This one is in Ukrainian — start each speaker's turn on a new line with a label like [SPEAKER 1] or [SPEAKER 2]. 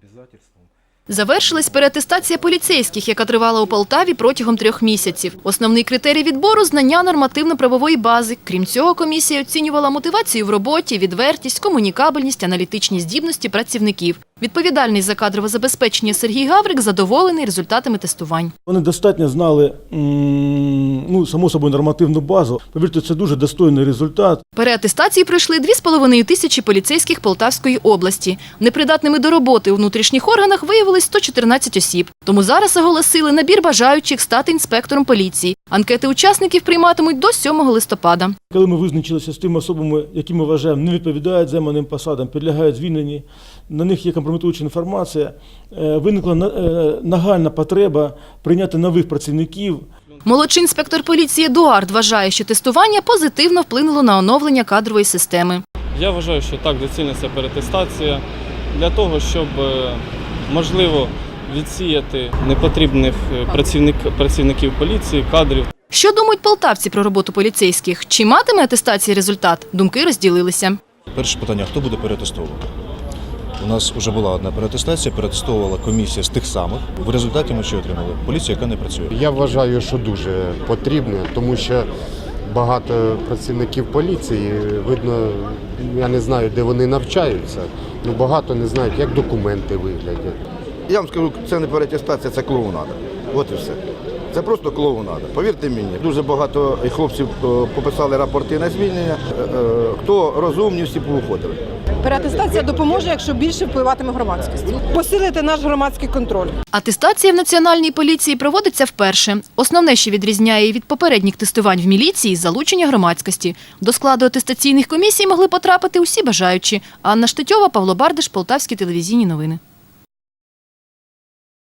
[SPEAKER 1] Завершилась переатестація поліцейських, яка тривала у Полтаві протягом 3 місяців. Основний критерій відбору – знання нормативно-правової бази. Крім цього, комісія оцінювала мотивацію в роботі, відвертість, комунікабельність, аналітичні здібності працівників. Відповідальний за кадрове забезпечення Сергій Гаврик задоволений результатами тестувань.
[SPEAKER 2] Вони достатньо знали, само собою, нормативну базу. Повірте, це дуже достойний результат.
[SPEAKER 1] Переатестації пройшли 2,5 тисячі поліцейських Полтавської області. Непридатними до роботи у внутрішніх органах виявилось 114 осіб. Тому зараз оголосили набір бажаючих стати інспектором поліції. Анкети учасників прийматимуть до 7 листопада.
[SPEAKER 2] Коли ми визначилися з тими особами, які ми вважаємо не відповідають займаним посадам, підлягають звільненні, на них є компрометуюча інформація, виникла нагальна потреба прийняти нових працівників.
[SPEAKER 1] Молодший інспектор поліції Едуард вважає, що тестування позитивно вплинуло на оновлення кадрової системи.
[SPEAKER 3] Я вважаю, що так, доцільна ця переатестація для того, щоб, можливо, відсіяти непотрібних працівників поліції, кадрів.
[SPEAKER 1] Що думають полтавці про роботу поліцейських? Чи матиме атестації результат? Думки розділилися.
[SPEAKER 4] Перше питання – хто буде переатестовувати? У нас вже була одна переатестація, переатестовувала комісія з тих самих. В результаті ми що отримали? Поліція, яка не працює.
[SPEAKER 5] Я вважаю, що дуже потрібно, тому що багато працівників поліції, видно, я не знаю, де вони навчаються, але багато не знають, як документи виглядять.
[SPEAKER 6] Я вам скажу, це не переатестація, це клоунада. От і все. Це просто клоунада. Повірте мені, дуже багато хлопців пописали рапорти на звільнення. Хто розумні, всі повиходили.
[SPEAKER 7] Переатестація допоможе, якщо більше впливатиме громадськість. Посилити наш громадський контроль.
[SPEAKER 1] Атестація в Національній поліції проводиться вперше. Основне, що відрізняє її від попередніх тестувань в міліції – залучення громадськості. До складу атестаційних комісій могли потрапити усі бажаючі. Анна Штетьова, Павло Бардиш, Полтавські телевізійні новини.